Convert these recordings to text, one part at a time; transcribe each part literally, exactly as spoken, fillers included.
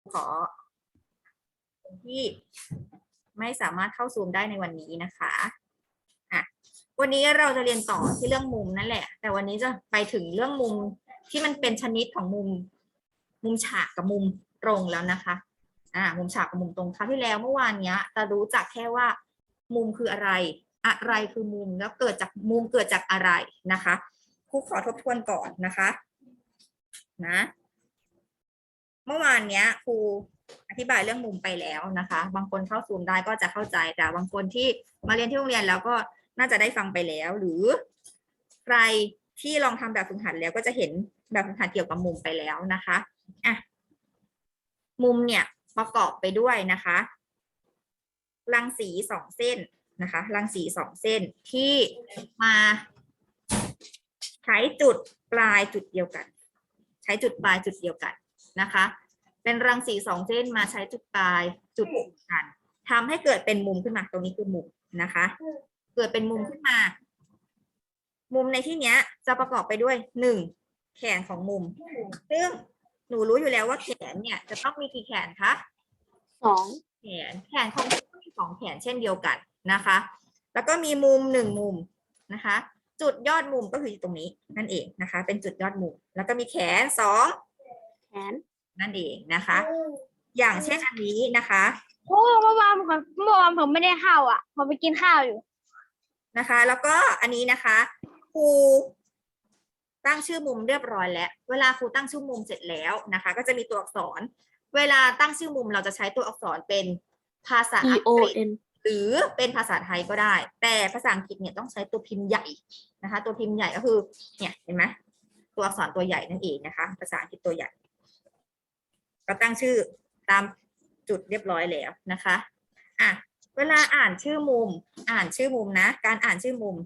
ขอคนที่ไม่สามารถเข้าซูมได้ในวันนี้นะคะอ่ะวันนี้เราจะเรียนต่อที่เรื่องมุมนั่นแหละแต่วันนี้จะไปถึงเรื่องมุมที่มันเป็นชนิดของมุมมุมฉากกับมุมตรงแล้วนะคะอ่ามุมฉากกับมุมตรงคราวที่แล้วเมื่อวานเนี้ยจะรู้จักแค่ว่ามุมคืออะไรอะไรคือมุมแล้วเกิดจากมุมเกิดจากอะไรนะคะครูขอทบทวนก่อนนะคะนะเมื่อวานเนี้ยครูอธิบายเรื่องมุมไปแล้วนะคะบางคนเข้าซูมได้ก็จะเข้าใจแต่บางคนที่มาเรียนที่โรงเรียนแล้วก็น่าจะได้ฟังไปแล้วหรือใครที่ลองทำแบบฝึกหัดแล้วก็จะเห็นแบบฝึกหัดเกี่ยวกับมุมไปแล้วนะคะอ่ะมุมเนี่ยประกอบไปด้วยนะคะรังสีสองเส้นนะคะรังสีสองเส้นที่มาใช้จุดปลายจุดเดียวกันใช้จุดปลายจุดเดียวกันนะคะเป็นรังสีสองเส้นมาใช้จุดปลายจุดกันทำให้เกิดเป็นมุมขึ้นมาตรงนี้คือมุมนะคะเกิดเป็นมุมขึ้นมามุมในที่เนี้ยจะประกอบไปด้วยหนึ่งแขนของมุมซึ่งหนูรู้อยู่แล้วว่าแขนเนี่ยจะต้องมีกี่แขนคะสองแขนแขนของมุมก็มีสองแขนเช่นเดียวกันนะคะแล้วก็มีมุมหนึ่งมุมนะคะจุดยอดมุมก็คือตรงนี้นั่นเองนะคะเป็นจุดยอดมุมแล้วก็มีแขนสองแขนนั่นเองนะคะอย่างเช่นอันนี้นะคะโอ้เมื่อวานผมเมื่อวานผมไม่ได้เข้าอ่ะผมไปกินข้าวอยู่นะคะแล้วก็อันนี้นะคะครูตั้งชื่อมุมเรียบร้อยแล้วเวลาครูตั้งชื่อมุมเสร็จแล้วนะคะก็จะมีตัวอักษรเวลาตั้งชื่อมุมเราจะใช้ตัวอักษรเป็นภาษา T อัง O กฤษ N หรือเป็นภาษาไทยก็ได้แต่ภาษาอังกฤษเนี่ยต้องใช้ตัวพิมพ์ใหญ่นะคะตัวพิมพ์ใหญ่ก็คือเนี่ยเห็นไหมตัวอักษรตัวใหญ่นั่นเองนะคะภาษาอังกฤษตัวใหญ่ก็ตั้งชื่อตามจุดเรียบร้อยแล้วนะคะอ่ะเวลาอ่านชื่อมุมอ่านชื่อมุมนะการอ่านชื่อมุม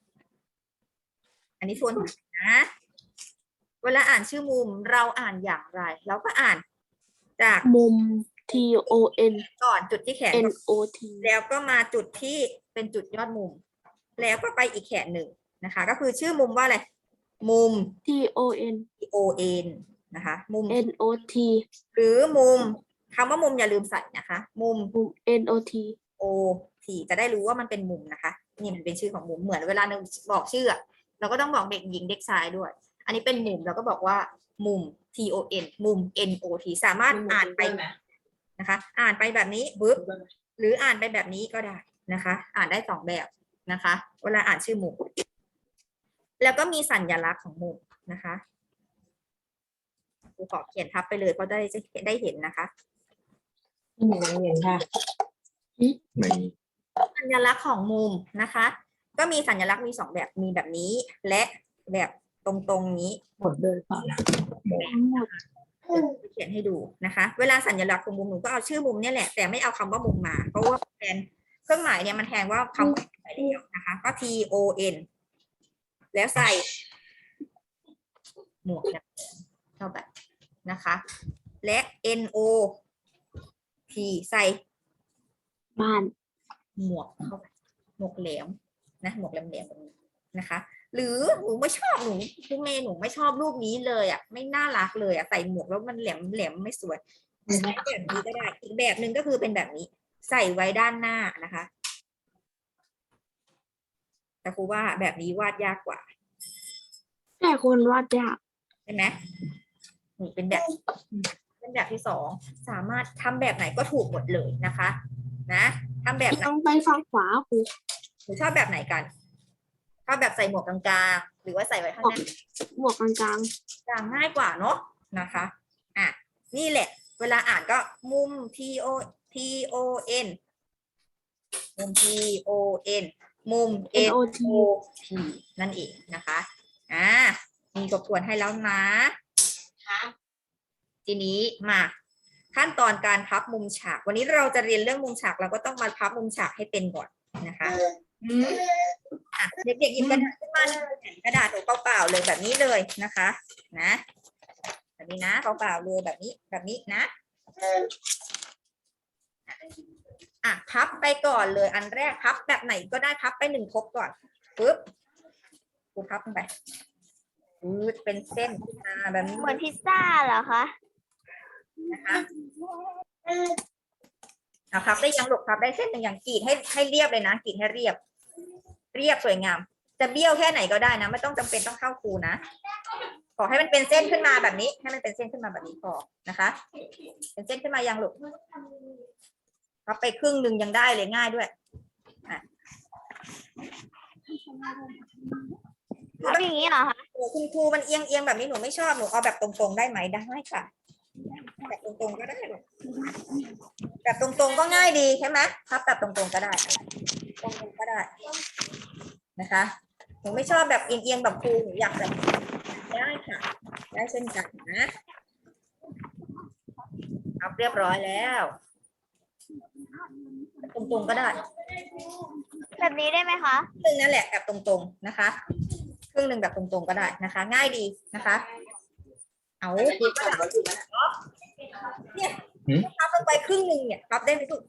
อันนี้ทวนนะเวลาอ่านชื่อมุมเราอ่านอย่างไรเราก็อ่านจากมุม T O N ก่อนจุดที่แขน N O T แล้วก็มาจุดที่เป็นจุดยอดมุมแล้วก็ไปอีกแขนหนึ่งนะคะก็คือชื่อมุมว่าอะไรมุม T O N O N นะคะมุม N O T หรือมุมคำว่ามุมอย่าลืมใส่นะคะมุมมุม N O T O T จะได้รู้ว่ามันเป็นมุมนะคะนี่มันเป็นชื่อของมุมเหมือนเวลาเราบอกชื่อเราก็ต้องบอกเด็กหญิงเด็กชายด้วยอันนี้เป็นมุมเราก็บอกว่ามุม T O N มุม N O T สามารถอ่านไปนะคะอ่านไปแบบนี้ปึ๊บหรืออ่านไปแบบนี้ก็ได้นะคะอ่านได้สองแบบนะคะเวลาอ่านชื่อมุมแล้วก็มีสัญลักษณ์ของมุมนะคะครูขอเขียนทับไปเลยเพราะได้จะได้เห็นนะคะไม่มีนักเรียนค่ะไม่มีสัญลักษณ์ของมุมนะคะก็มีสัญลักษณ์มีสองแบบมีแบบนี้และแบบตรงๆนี้หมดเลยเปล่านะหมดเขียนให้ดูนะคะเวลาสัญลักษณ์ของมุมหนูก็เอาชื่อมุมเนี่ยแหละแต่ไม่เอาคำว่ามุมมาเพราะว่าแทนเครื่องหมายเนี่ยมันแทนว่าคำว่าไปแล้วนะคะก็ T O N แล้วใส่หมวกแบบเข้าไปนะคะและ N O T ใส่บ้านหมวกเข้าไปหมวกแหลมนะหมวกแหลมแหลมแบบนี้นะคะหรือหนูไม่ชอบหนูคุณเมย์หนูไม่ชอบรูปนี้เลยอ่ะไม่น่ารักเลยอ่ะใส่หมวกแล้วมันแหลมแหลมไม่สวยใช้แบบนี้ก็ได้อีกแบบหนึ่งก็คือเป็นแบบนี้ใส่ไว้ด้านหน้านะคะแต่ครูว่าแบบนี้วาดยากกว่าแต่คนวาดยากใช่ไหมนี่เป็นแบบเป็นแบบที่สองสามารถทำแบบไหนก็ถูกหมดเลยนะคะนะทำแบบไหนต้องไปฝั่งขวาครูหนูชอบแบบไหนกันชอบแบบใส่หมวกกลางๆหรือว่าใส่ไว้ข้างหน้าหมวกกลางกลางง่ายกว่าเนาะนะคะอ่ะนี่แหละเวลาอ่านก็มุม T O T O N มุม T O N มุมๆ N N O T O T นั่นเองนะคะอ่ามีทบทวนให้แล้วนะทีนี้มาขั้นตอนการพับมุมฉากวันนี้เราจะเรียนเรื่องมุมฉากเราก็ต้องมาพับมุมฉากให้เป็นก่อนนะคะอืมอ่ะเด็กๆหยิบกระดาษขึ้นมาแผ่นกระดาษหนูเปล่าๆเลยแบบนี้เลยนะคะนะแบบนี้นะเปล่าๆเลยแบบนี้แบบนี้นะอ่ะพับไปก่อนเลยอันแรกพับแบบไหนก็ได้พับไปหนึ่งทบก่อนปึ๊บกูพับลงไปปึ๊บเป็นเส้นอ่าแบบนี้เหมือนพิซซ่าเหรอคะนะคะเอาพับได้ยังลูกพับได้เส้นหนึ่งอย่างกรีดให้ให้เรียบเลยนะกรีดให้เรียบ เรียบสวยงาม จะเบี้ยวแค่ไหนก็ได้นะไม่ต้องจำเป็นต้องเข้าคูนะขอให้มันเป็นเส้นขึ้นมาแบบนี้ ให้มันเป็นเส้นขึ้นมาแบบนี้พอนะคะ เป็นเส้นขึ้นมายังลูกพับไปครึ่งหนึ่งยังได้เลยง่ายด้วยอ่ะทำอย่างนี้เหรอคะโอ้คุณครูมันเอียงเอียงแบบนี้หนูไม่ชอบหนูเอาแบบตรงๆได้ไหมได้ค่ะแบบตรงๆก็ได้ลูกแบบตรงๆก็ง่ายดีใช่ไหมพับแบบตรงๆก็ได้ตรงๆก็ได้นะคะหนูไม่ชอบแบบเอียงๆแบบครูหนูอยากแบบได้ค่ะ ได้เช่นกันนะพับเรียบร้อยแล้วตรงๆก็ได้แบบนี้ได้ไหมคะครึ่งนั่นแหละแบบตรงๆนะคะครึ่งหนึ่งแบบตรงๆก็ได้นะคะ ง่ายดีนะคะ เอาที่ขับรถอยู่นะเนี่ยพับลงไปครึ่งหนึ่งเนี่ยพับได้ไหมลูก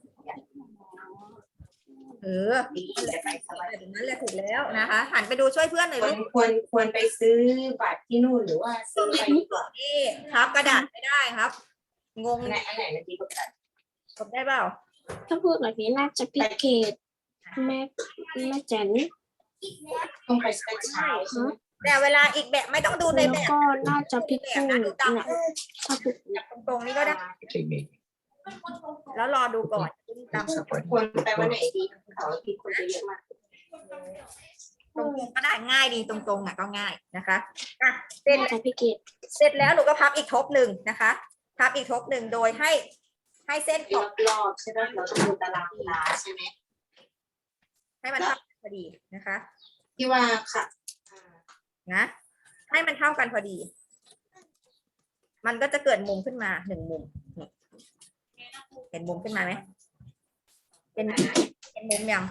เออนั่นแหละแบบนั้นแหละถูกแล้วนะคะ หันไปดูช่วยเพื่อนหน่อยควลูรกควรควรไปซื้อบัตรที่นู่นหรือว่าซื้อไปดีกว่านี่ครับกระดาษไม่ได้ครับ งงอันไหนอันไหนมันดีกว่ากันกดได้เปล่าถ้าพูดแบบนี้น่าจะพิเกตแม่แม่แจ๋นต้องไปสเปเช้าใช่ไหมแต่เวลาอีกแบบไม่ต้องดูในแล้วแบบก็น่าจะพิแบกูบนะดูตามเนี่ยถ้าพูดแบบตรงๆนี่ก็ได้ แล้วรอดูก่อนตามควรไปวันไหนดีเขาที่คนจะเยอะมากตรงๆก็ได้ง่ายดีตรงๆอ่ะก็ง่ายนะคะอ่ะเสร็จน่าจะพิเกตเสร็จแล้วหนูก็พับอีกทบหนึ่งนะคะ พับอีกทบหนึ่งโดยให้ให้เส้นขรออบ บรอบใช่ไหมเราต้องดูตารางเวลาใช่ไหมให้มันเท่ากันพอดีนะคะที่ว่าค่ะนะให้มันเท่ากันพอดี มันก็จะเกิดมุมขึ้นมาหนึ่งมุมนี่เห็นมุมขึ้นมาไหมเป็นเป็นมุมยัง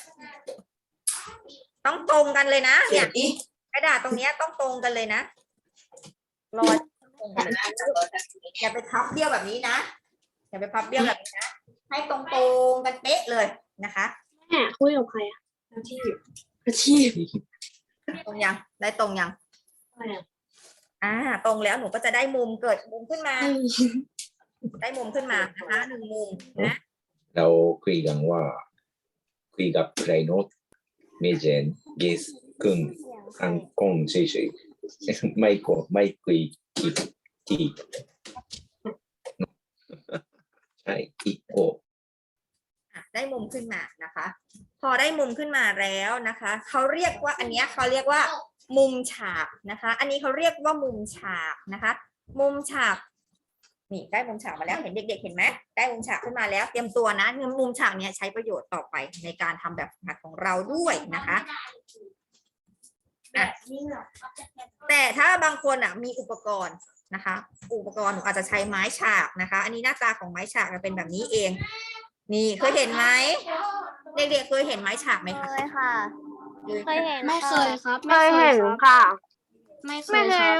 ต้องตรงกันเลยนะเดี๋เนี่ยวย ดิกระดาษตรงเนี้ยต้องตรงกันเลยนะรอยตรงกันเลยอย่าไปพับเบี้ยวแบบนี้นะอย่าไปพับเบี้ยวแบบนี้นะให้ตรงตรงๆกันเป๊ะเลยนะคะแม่คุยกับใครอะที่อาชีพตรงยังได้ตรงยังอะไรอะอ่า ตรงแล้วหนูก็จะได้มุมเกิดมุมขึ้นมาเอ้ยได้มุมขึ้นมานะคะหนึ่งมุมนะเราคุยกันว่าคุยกับใครโน้ตไม่เจน yes ครึ่งอังกงเฉยๆไม่ก็ไม่คุยกี่กี่ใช่อีกโออ่ะได้มุมขึ้นมานะคะ พอได้มุมขึ้นมาแล้วนะคะเขาเรียกว่าอันเนี้ยเขาเรียกว่า มุมฉากนะคะ อันนี้เขาเรียกว่ามุมฉากนะคะ มุมฉากนี่ได้มุมฉากมาแล้วเห็นเด็กๆเห็นไหมได้มุมฉากขึ้นมาแล้วเตรียมตัวนะมุมฉากเนี้ยใช้ประโยชน์ต่อไปในการทำแบบฝึกหัดของเราด้วยนะคะอ่ะแต่ถ้าบางคนอ่ะมีอุปกรณ์นะคะ อุปกรณ์หนูอาจจะใช้ไม้ฉากนะคะ อันนี้หน้าตาของไม้ฉากจะเป็นแบบนี้เอง นี่เคยเห็นไหมเด็กๆเคยเห็นไม้ฉากไหมเคคะยค่ะ เคยเห็นไม่เคยครับเคยเห็นรับค่ะไม่เคไม่ยเคคยรับ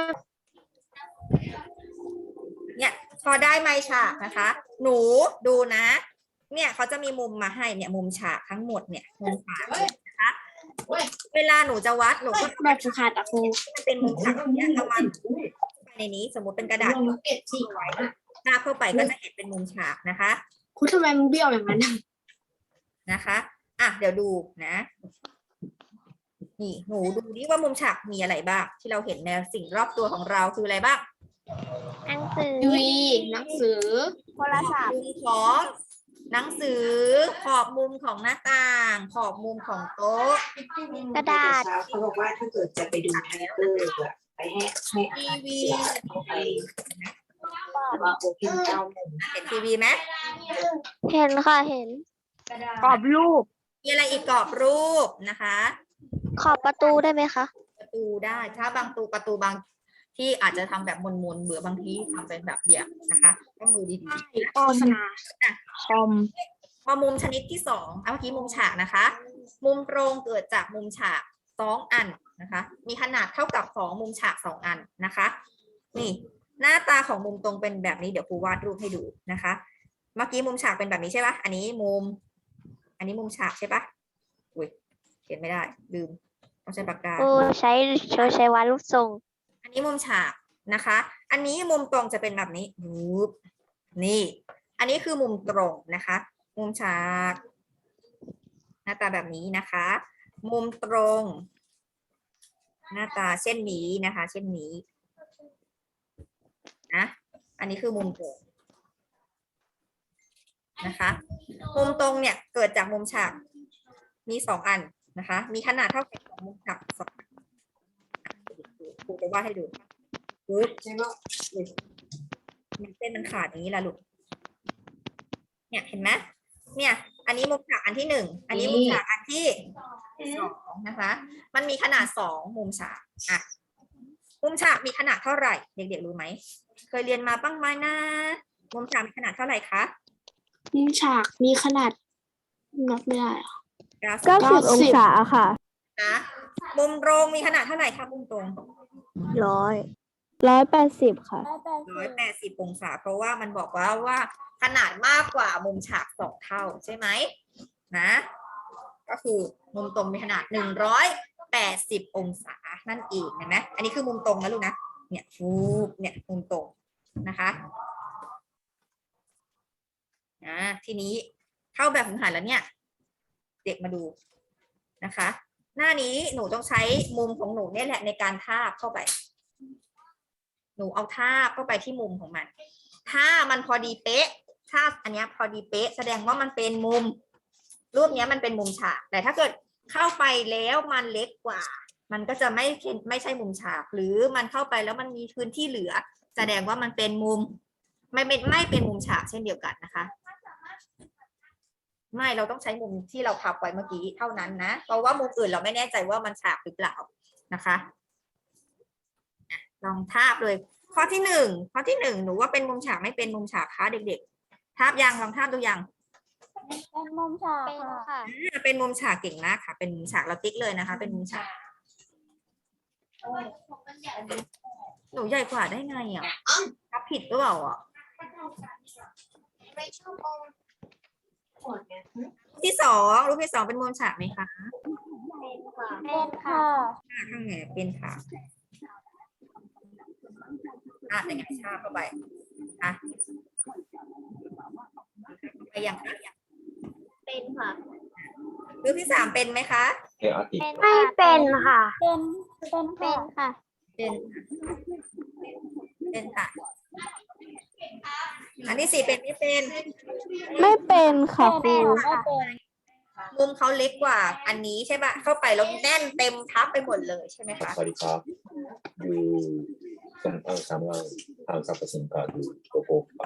เนี่ยพอได้ไม้ฉากนะคะ หนูดูนะ เนี่ยเขาจะมีมุมมาให้เนี่ยมุมฉากทั้งหมดเนี่ยมุมฉากนะคะ เวลาหนูจะวัดหนูก็แบบฝึกหัดอะครูมันเป็นมุมฉากแบบเนี้ยเรามาไปในนี้สมมติเป็นกระดาษลงเก็บสี่ไว้หน้าเข้าไปก็จะเห็นเป็นมุมฉากนะคะครูทำไมมึงเบี้ยวอย่างนั้นอะนะคะอ่ะเดี๋ยวดูนะ นี่หนูดูดิว่ามุมฉากมีอะไรบ้างที่เราเห็นในสิ่งรอบตัวของเราคืออะไรบ้างหนังสือทีวีหนังสือโทรศัพท์มุมของหนังสือขอบมุมของหน้าต่าง ขอบมุมของโต๊ะกระดาษเช้าเขาบอกว่าถ้าเกิดจะไปดูไทเตอร์อะไปให้ให้อาทีหารวีเสือเขาไปว่าโอเพนเจ้าหนึ่งเห็นทีวีไหมเห็นค่ะ เห็นกรอบรูปมีอะไรอีกกรอบรูปนะคะขอบประตูได้ไหมคะประตูได้ถ้าบางตูประตูบางที่อาจจะทำแบบมนๆเบื่อบางทีทำเป็นแบบเดี่ยวนะคะต้องดูดีๆโฆษณาคอมพอมุมชนิดที่สองเอาเมื่อกี้มุมฉากนะคะ มุมตรงเกิดจากมุมฉากสองอันนะคะ มีขนาดเท่ากับของมุมฉากสองอันนะคะ นี่หน้าตาของมุมตรงเป็นแบบนี้เดี๋ยวครูวาดรูปให้ดูนะคะ เมื่อกี้มุมฉากเป็นแบบนี้ใช่ปะอันนี้มุม อันนี้มุมฉากใช่ปะอุ้ยเขียนไม่ได้ลืมต้องใช้ปากกาโอ้ใช้ใช้ใช้วาดรูปทรงอันนี้มุมฉากนะคะ อันนี้มุมตรงจะเป็นแบบนี้วูบนี่ อันนี้คือมุมตรงนะคะมุมฉาก หน้าตาแบบนี้นะคะ มุมตรง หน้าตาเช่นนี้นะคะ เช่นนี้นะอันนี้คือมุมตรงนะคะ มุมตรงเนี่ยเกิดจากมุมฉากมีสองอันนะคะ มีขนาดเท่ากันของมุมฉากสองอันครูจะวาดให้ดูปึ๊บมันเส้นมันขาดอย่างนี้ละลูกเนี่ยเห็นไหมเนี่ย อันนี้มุมฉากอันที่หนึ่งอันนี้มุมฉากอันที่สองนะคะ มันมีขนาดสองมุมฉากอ่ะมุมฉากมีขนาดเท่าไหร่เด็กๆรู้ไหมเคยเรียนมาบ้างไหมนะมุมฉากมีขนาดเท่าไหร่คะมุมฉากมีขนาดนับไม่ได้อะเก้าสิบเก้าสิบองศาค่ะนะมุมตรงมีขนาดเท่าไหร่คะมุมตรงร้อยร้อยแปดสิบค่ะร้อยแปดสิบองศาเพราะว่ามันบอกว่าว่าขนาดมากกว่ามุมฉากสองเท่าใช่ไหมนะ ก็คือมุมตรงมีขนาดหนึ่งร้อยแปดสิบองศานั่นเองเห็นไหมอันนี้คือมุมตรงนะลูกนะเนี่ยฟูบเนี่ยมุมตรงนะคะอ่าทีนี้เข้าแบบฝึกหัดแล้วเนี่ย เด็กมาดูนะคะ หน้านี้หนูต้องใช้มุมของหนูเนี่ยแหละในการทาบเข้าไป หนูเอาทาบเข้าไปที่มุมของมัน ถ้ามันพอดีเป๊ะทาบอันเนี้ยพอดีเป๊ะแสดงว่ามันเป็นมุม รูปเนี้ยมันเป็นมุมฉาก แต่ถ้าเกิดเข้าไปแล้วมันเล็กกว่า มันก็จะไม่ไม่ใช่มุมฉาก หรือมันเข้าไปแล้วมันมีพื้นที่เหลือ แสดงว่ามันเป็นมุม ไม่เป็นไม่เป็นมุมฉากเช่นเดียวกันนะคะ ไม่เราต้องใช้มุมที่เราพับไว้เมื่อกี้เท่านั้นนะ เพราะว่ามุมอื่นเราไม่แน่ใจว่ามันฉากหรือเปล่านะคะลองทาบเลย ข้อที่หนึ่งข้อที่หนึ่งหนูว่าเป็นมุมฉากไม่เป็นมุมฉากคะเด็กๆทาบยังลองทาบดูยังเป็นมุมฉากค่ะอ่าเป็นมุมฉากเก่งมากค่ะ เป็นมุมฉากเราติ๊กเลยนะคะ เป็นมุมฉากหนูใหญ่กว่าได้ไงอ่ะทับผิดหรือเปล่าอ่ะที่สองรูปที่สองเป็นมุมฉากไหมคะเป็นค่ะอ่าข้างไหนเป็นค่ะอ่ะยังไงชาเข้าไปอ่ะไปยังคะเป็นค่ะรูปที่สามเป็นไหมคะเอออาทิตย์ไม่เป็นค่ะ เป็น เป็นค่ะเป็นเป็นค่ะ อันที่สี่เป็นไม่เป็นไม่เป็นค่ะครูมุมเขาเล็กกว่า อันนี้ใช่ปะเข้าไปแล้วแน่นเต็มทับไปหมดเลยใช่ไหมคะสวัสดีครับอยู่ตรงอ่างสามเราทางสรรพสินค้าดูโกโก้ครับ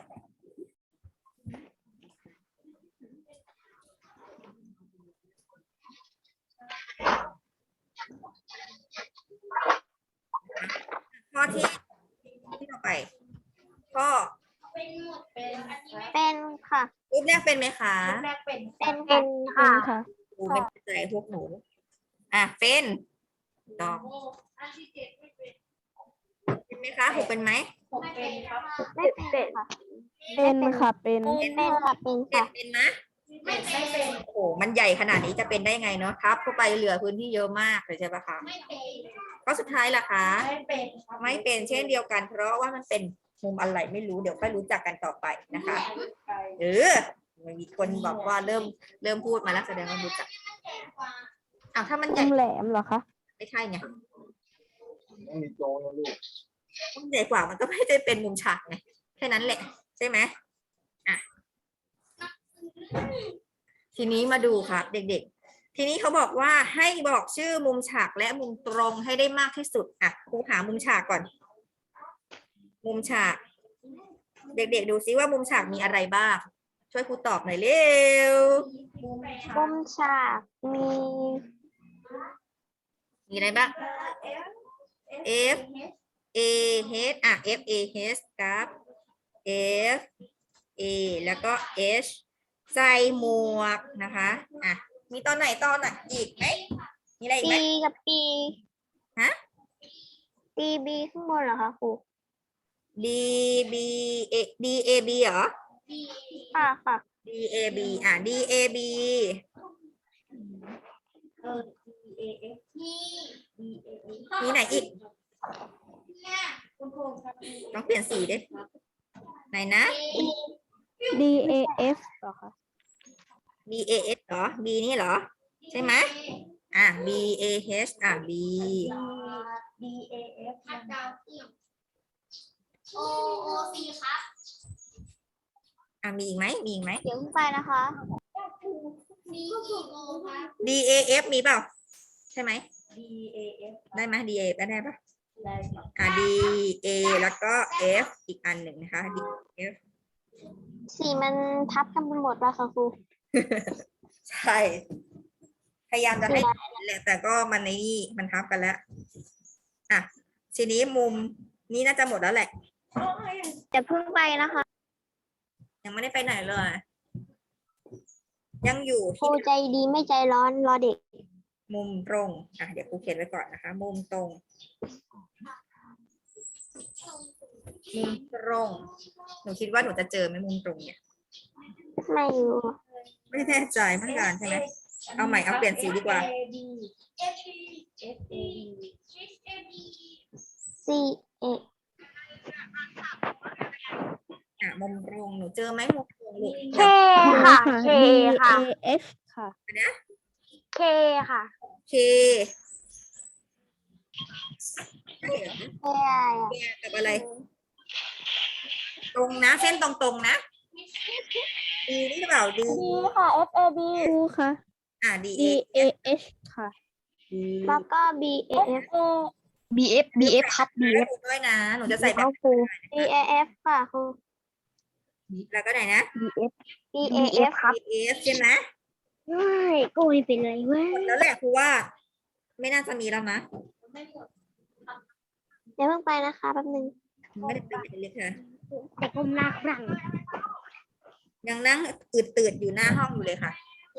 ข้อที่ที่ต่อไปข้อเป็นค่ะรูปแรกเป็นไหมคะเป็น เป็นค่ะครูไม่เข้าใจพวกหนู อ่ะเป็นลองเป็นไหมคะหกเป็นไหมไม่เป็นค่ะ เป็นค่ะ เป็น เป็นค่ะ เป็นเจ็ค่ะดเป็นไหมโอ้โหมันใหญ่ขนาดนี้จะเป็นได้ไงเนาะทับเข้าไปเหลือพื้นที่เยอะมากเลยใช่ปะคะข้อสุดท้ายล่ะคะ ไม่เป็นไม่เป็นเช่นเดียวกัน เพราะว่ามันเป็นมุมอะไรไม่รู้เดี๋ยวค่อยรู้จักกันต่อไปนะคะเออมีคนบอกว่าเริ่มเริ่มพูดมาแล้วแสดงว่ารู้จักอ้าวถ้ามันใหญ่มุมแหลมเหรอคะไม่ใช่ไงมุมใหญ่กว่ามันก็ไม่ได้เป็นมุมฉากไงแค่นั้นแหละใช่ไหมอ่ะทีนี้มาดูครับเด็กๆ ทีนี้เขาบอกว่าให้บอกชื่อมุมฉากและมุมตรงให้ได้มากที่สุดอ่ะครูหามุมฉากก่อน มุมฉาก เด็กๆดูซิว่ามุมฉากมีอะไรบ้าง ช่วยครูตอบหน่อยเร็วมุมฉากมีมีอะไรบ้าง F A H อ่ะ F A H ครับ F A แล้วก็ H ใส่หมวกนะคะอ่ะมีตอนไหนตอนไหนอีกไหมมีอะไรอีกไหมปีกับปีฮะปีบีข้างบนเหรอคะครู D B A D A B เหรอค่ะค่ะ D A B อ่ะ D A B มีไหนอีกต้องเปลี่ยนสีด้วยไหนนะ D A F เหรอคะ B A S เหรอ B นี่เหรอ ใช่ไหมอ่ะ B A H อ่ะ B D A F โอโอซีครับอ่ะมีอีกไหมมีอีกไหมเดี๋ยวไปนะคะมีกี่โมงครับ D A F มีเปล่า ใช่ไหม D A F ได้ไหม D A F ได้ปะได้ค่ะอ่ะ D A แล้วก็ F อีกอันหนึ่งนะคะ D F สีมันทับกันไปหมดแล้วค่ะครูใช่ พยายามจะให้เห็นแหละแต่ก็มันในนี่มันทับกันแล้ว อ่ะ ทีนี้มุมนี้น่าจะหมดแล้วแหละจะเพิ่งไปนะคะยังไม่ได้ไปไหนเลย ยังอยู่ครูที่ใจดีไม่ใจร้อนรอเด็กมุมตรง อ่ะ เดี๋ยวครูเขียนไว้ก่อนนะคะ มุมตรง มุมตรง หนูคิดว่าหนูจะเจอไหมมุมตรงเนี่ยไม่รู้ไม่แน่ใจไม่การใช่ไหม เอาใหม่ เอาเปลี่ยนสีดีกว่า C A อ่ะ มุมตรง หนูเจอไหมมุมตรงลูก K ค่ะ K ค่ะ D A F ค่ะ K ค่ะ K ใช่เหรอ K อะไร K กับอะไร ตรงนะ เส้นตรงๆนะ D นี่หรือเปล่า D D ค่ะ F A D ครูค่ะอ่ะ D D A A H ค่ะ D แล้วก็ B A F B F B F ครับ B ให้ F ครูด้วยนะ หนูจะใส่แบบครู B A F ค่ะครูแล้วก็ไหนนะ B F B A F ครับ B F ใช่ไหมไม่โกยไปเลยเว้ยหมดแล้วแหละครูว่า ไม่น่าจะมีแล้วนะเดี๋ยวเพิ่งไปนะคะแป๊บนึงไม่ได้เป็นเล็กค่ะแต่ผมรักรังยังนั่งอืดตืดอยู่หน้าห้องอยู่เลยค่ะ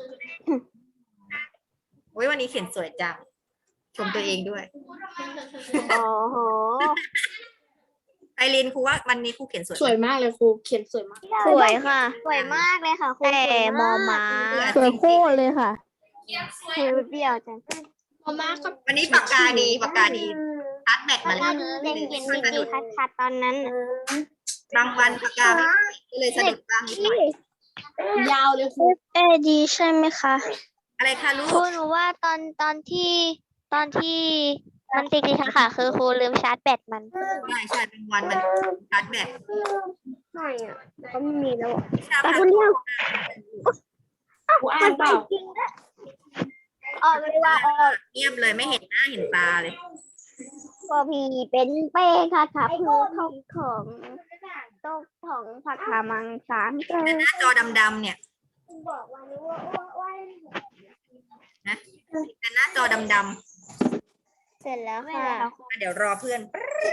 โอ้ยวันนี้เขียนสวยจัง ชมตัวเองด้วยโอ้โหไอรินครูว่าวันนี้ครูเขียนสวยสวยมากเลยครูเขียนสวยมากสวยค่ะ สวยมากเลยค่ะครูแต่สวยมอมามาก สวยโคตรเลยค่ะเทเบี้ยวจังพอมากก็วันนี้ปากกาดีปากกาดีชัดแบตมาถ้าแล้วเด็กเขียนดีๆคัดๆตอนนั้นน่ะบางวันปากกาไม่ก็เลยสะดุดบ้างนิดหน่อยยาวเลยครู A D ใช่ไหมคะอะไรคะลูครูกหนูว่าตอนตอนที่ตอนที่มันติดๆค่ะคือครูลืมชาร์จแบตมันใช่ใช่เป็นวันมันชัดแบตไม่อ่ะก็ไม่มีแล้วแต่คนเดียวครูอ่านเปล่าออกเลยว่าออกเงียบเลยไม่เห็นหน้าเห็นตาเลยพอพีเป็นเป้ค่ะค่ะคือของของโต๊ะของผักขามังสามเจอแต่หน้าจอดำๆเนี่ยบอกว่ารู้ว่าว่าว่านะแต่หน้าจอดำเสร็จแล้วค่ะๆอ่ะเดี๋ยวรอเพื่อน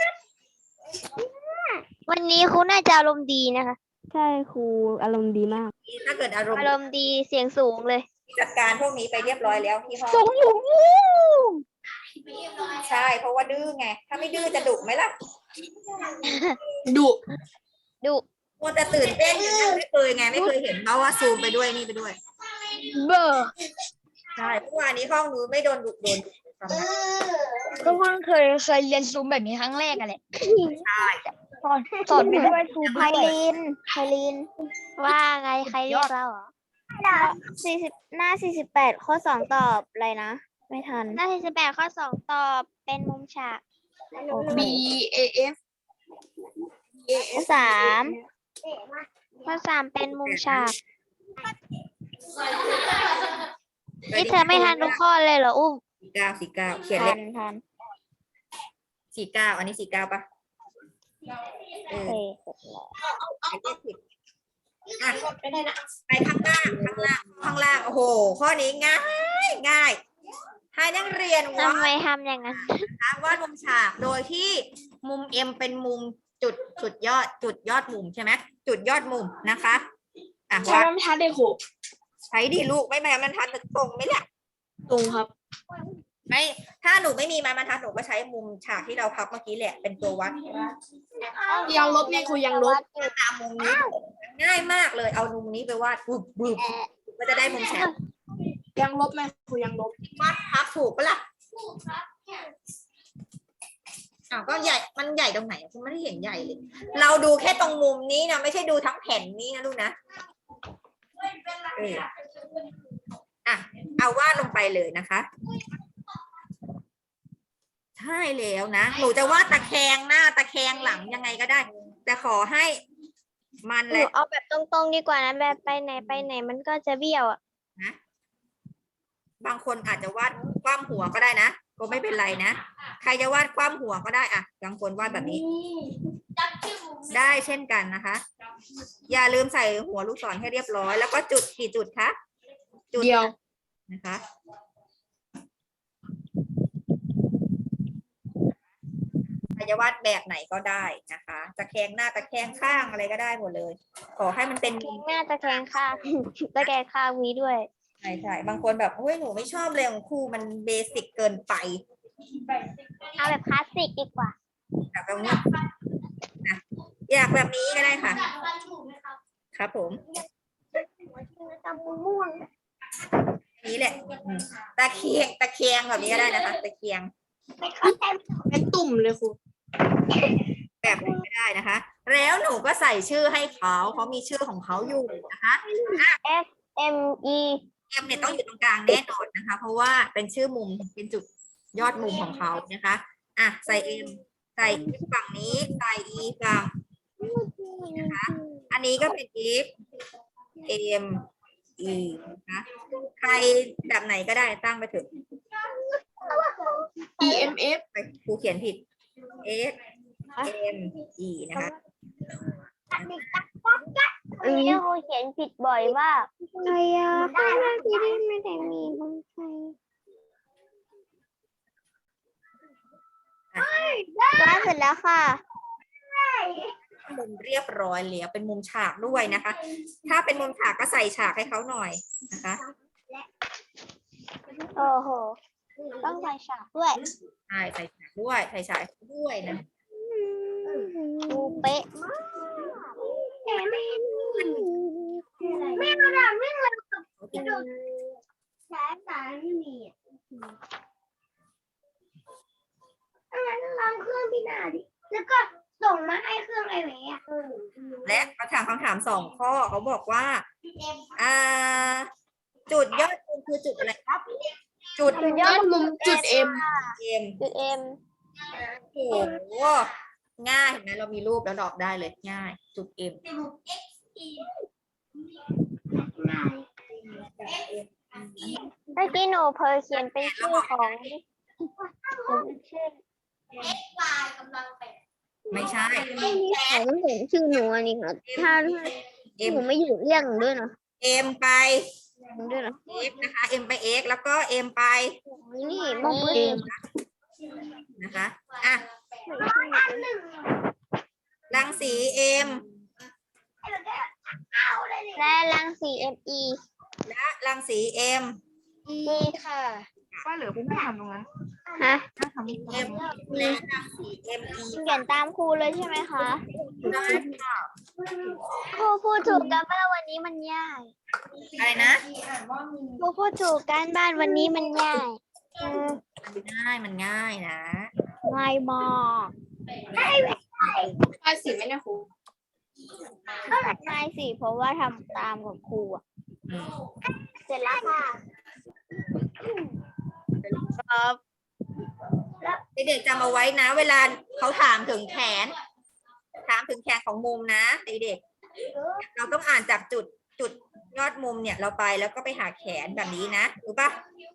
วันนี้ครูน่าจะอารมณ์ดีนะคะใช่ครูอารมณ์ดีมากถ้าเกิดอารมณ์อารมณ์ดีเสียงสูงเลยจัดการพวกนี้ไปเรียบร้อยแล้วที่ห้องสูงอยู่ใช่ เพราะว่าดื้อไง ถ้าไม่ดื้อจะดุไหมล่ะดุดุมัวแต่ตื่นเต้นอยู่นั่งไม่เคยไงไม่เคยเห็นเพราะว่าซูมไปด้วยนี่ไปด้วยเบอร์ใช่เมื่อวานนี้ห้องนู้นไม่โดนดุโดนดุทำไมก็เพิ่งเคยเคยเรียนซูมแบบนี้ครั้งแรกอะแหละใช่สอนสอนไปด้วยซูมไพลินไพลิน ว่าไงใครเรียกเราเหรอสี่สิบหน้าสี่สิบแปดข้อสองตอบอะไรนะ ไม่ทัน หน้าสี่สิบแปดข้อสองตอบเป็นมุมฉาก B A F ข้อสามข้อสามเป็นมุมฉากนี่เธอไม่ทันทุกข้อเลยเหรออุ้มสี่เก้าสี่เก้าเขียนทัเลนขทันสี่เก้าอันนี้สี่เก้าปะเอโออเคไอ้เลขผิดอ่ะไปข้างล่างข้างล่างข้างล่างโอ้โห ข้อนี้ง่ายง่ายให้นักเรียนวาทำไมดทำอย่างนั้นนะคะวาดมุมฉากโดยที่มุม M เป็นมุมจุดจุดยอดจุดยอดมุมใช่ไหมจุดยอดมุมนะคะอ่ะใช้วาดบรรทัดเลยครูใช้ดีลูกไม่แม้มันทัดตรงไหมเนี่ยตรงครับไม่ถ้าหนูไม่มีไม้บรรทัดหนูก็ใช้มุมฉากที่เราพับเมื่อกี้แหละเป็นตัววัดยังลบเนี่ยครูยังลบตามมุมนี้ง่ายมากเลยเอามุมนี้ไปวาดบึบบึบก็จะได้มุมฉากยังลบไหมครูยังลบวาดพับถูกปะล่ะอ้าวก็ใหญ่มันใหญ่ตรงไหนคุณไม่ได้เห็นใหญ่เลย เราดูแค่ตรงมุมนี้นะไม่ใช่ดูทั้งแผ่นนี้นะลูกนะเอออ่ะเอาวาดลงไปเลยนะคะใช่แล้วนะหนูจะวาดตะแคงหน้าตะแคงหลังยังไงก็ได้ แต่ขอให้มันหแหนูละเอาแบบตรงๆดีกว่านะแบบไปไหนไปไหนมันก็จะเบี้ยวอ่ะนะบางคนอาจจะวาดคว่ำหัวก็ได้นะก็ไม่เป็นไรนะใครจะวาดคว่ำหัวก็ได้อ่ะบางคนวาดแบบนี้ ได้เช่นกันนะคะ อย่าลืมใส่หัวลูกศรให้เรียบร้อยแล้วก็จุดกี่จุดคะจุดเดียวนะคะใครจะวาดแบบไหนก็ได้นะคะตะแคงหน้าตะแคงข้างอะไรก็ได้หมดเลย ขอให้มันเป็นแคงหน้าตะแคงข้าง ตะแคงข้างมีด้วยใช่ใช่บางคนแบบเฮ้ยหนูไม่ชอบเลยของครูมันเบสิกเกินไปเอาแบบคลาสสิกดีกว่าแบบตรงนี้นะอยากแบบนี้ก็ได้ค่ะ ครับผมนี่แหละอืมตะเคียงตะเคียงแบบนี้ก็ได้นะคะตะเคียงเป็นตุ่มเลยครูแบบไหนก็ได้นะคะ แล้วหนูก็ใส่ชื่อให้เขาเขามีชื่อของเขาอยู่นะคะ F M E เอ็มเนี่ยต้องอยู่ตรงกลางแน่นอนนะคะ เพราะว่าเป็นชื่อมุมเป็นจุดยอดมุมของเขานะคะอ่ะใส่ M ใส่ F ฝั่งนี้ใส่ E ฝั่งนะคะอันนี้ก็เป็น F M E นะคะใครแบบไหนก็ได้ตั้งไปเถอะ E M F ไปครูเขียนผิด F M E นะคะอันนี้ครูเขียนผิดบ่อยมากใครอ่ะข้างหน้าที่นี่ไม่ได้มีบางใครได้เสร็จแล้วค่ะมุมเรียบร้อยแล้วเป็นมุมฉากด้วยนะคะ ถ้าเป็นมุมฉากก็ใส่ฉากให้เขาหน่อยนะคะโอ้โห ต้องใส่ฉากด้วยใช่ใส่ฉากด้วยใส่ฉากด้วยนะดูเป๊ะมากไม่เอาหนังไม่เลยสายสายไม่มีอ่ะงั้นลองเครื่องพี่นาดิ แล้วก็ส่งมาให้เครื่องไอเวอ่ะและเขาถามคำถามสองข้อเขาบอกว่าอ่า จุดยอดมุมคือจุดอะไรครับ จุดยอดมุมจุด M เอ็มจุดเอ็มโอ้โหง่ายเห็นไหมเรามีรูปแล้วดอกได้เลยง่าย จุดเอ็มเมื่อกี้หนูเพอเขียนเป็นชื่อของชื่อไม่ใช่ของเห็นชื่อหนูอันนี้ค่ะถ้าเอ็มหนูไม่อยู่เรียกหนูด้วยนะเอ็มไปหนูด้วยนะ x นะคะ m ไป x แล้วก็ m ไปนี่มองเองนะคะอ่ะรังสี m และรังสี เอ็ม อีและรังสี m นี่ค่ะก็เหลือคุณไม่ทำตรงนั้นฮะ m และรังสี m e เขียนตามครูเลยใช่ไหมคะได้ค่ะครูพูดถูกกันบ้านวันนี้มันยากอะไรนะครูพูดถูกกันบ้านวันนี้มันยากมันง่ายมันง่ายนะง่ายมากภาษีไหมนะครูง่ายสิเพราะว่าทำตามกับครูอะเสร็จแล้วค่ะครับเด็กๆจำเอาไว้นะ เวลาเขาถามถึงแขน ถามถึงแขนของมุมนะเด็กๆเราต้องอ่านจากจุดจุดยอดมุมเนี่ยเราไปแล้วก็ไปหาแขนแบบนี้นะรู้ปะ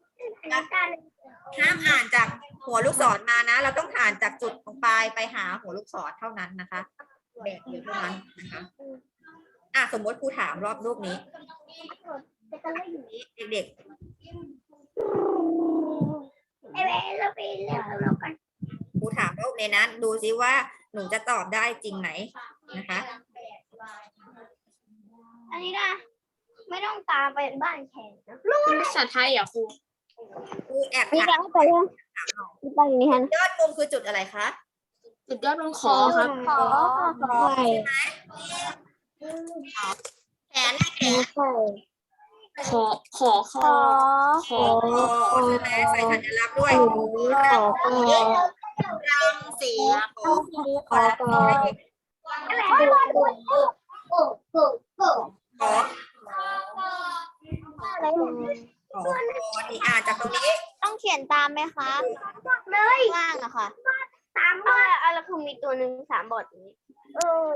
ห้ามอ่านจากหัวลูกศรมานะ เราต้องอ่านจากจุดของปลายไปหาหัวลูกศรเท่านั้นนะคะแบบเดียวเท่านั้นนะคะอ่ะสมมติครูถามรอบรูปนี้เด็กๆครูถามรูปนี้นะดูซิว่าหนูจะตอบได้จริงไหมนะคะอันนี้นะไม่ต้องตามไปบ้านแขนนะภาษาไทยอ่ะครูครูแอบนี่ถามยังไปยังไปอย่างนี้ฮะยอดมุมคือจุดอะไรคะจุดยอดบนขอครับขอใช่แขนนะแขนขอขอขขออขอใช่ไหมใส่สัญลักษณ์ด้วยขอขอรังสีของครูขอขอขอสองคนอีกอ่านจากตรงนี้ต้องเขียนตามไหมคะล่างอะค่ะสามบอทอะไรคือมีตัวหนึ่งสามบอทนี้เออ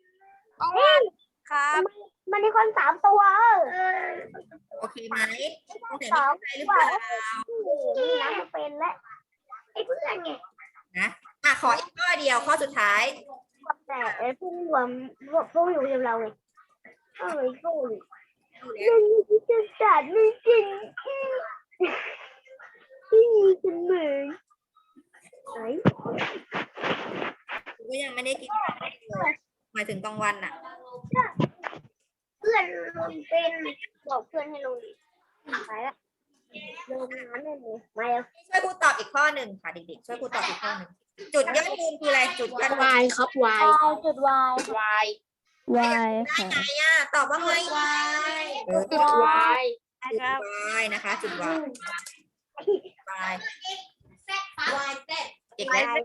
ครับมันมีคนสามตัวเออโอเคไหมคุณเห็นมีใครหรือเปล่านี่นะมันเป็นและไอ้เพื่อนไงนะอ่ะขออีกข้อเดียวข้อสุดท้ายแต่ไอ้พวกรวมพวกอยู่กับเราไงเอ้ยพวกมันมีจะจัดไม่จริงที่มีเสมอไหนก็ยังไม่ได้กินข้าวเลยหมายถึงกลางวันอ่ะเพื่อนลงเป็นบอกเพื่อนให้ลงดิไปละลงน้ำได้เลยมาแล้วช่วยครูตอบอีกข้อหนึ่งค่ะเด็กๆช่วยครูตอบอีกข้อหนึ่งจุดยอดมุมคืออะไรจุดยอดมุมวายครับวายจุดวายวายวายค่ะไงอ่ะตอบว่าไงเออจุดวายจุดวายนะคะ จุดวายวายอีกแล้ว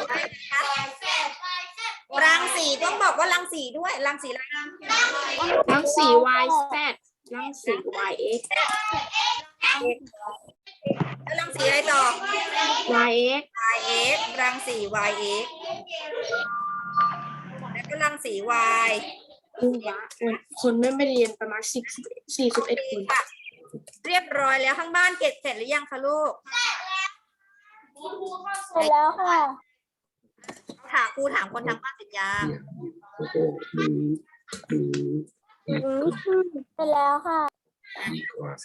รังสีต้องบอกว่ารังสีด้วยรังสีอะไรรังสีวายแซดรังสีวายเอ็กซ์แล้วรังสีอะไรต่อวายเอ็กซ์ yx รังสี yx แล้วก็รังสี y คือว่าคนไม่ไม่เรียนประมาณสิบสี่สิบเอ็ดคนค่ะเรียบร้อยแล้วข้างบ้านเก็บเสร็จหรือยังคะลูกเสร็จแล้วค่ะถามครูถามคนทางบ้านเสร็จยังแล้วก็ดูดูเสร็จแล้วค่ะดีกว่า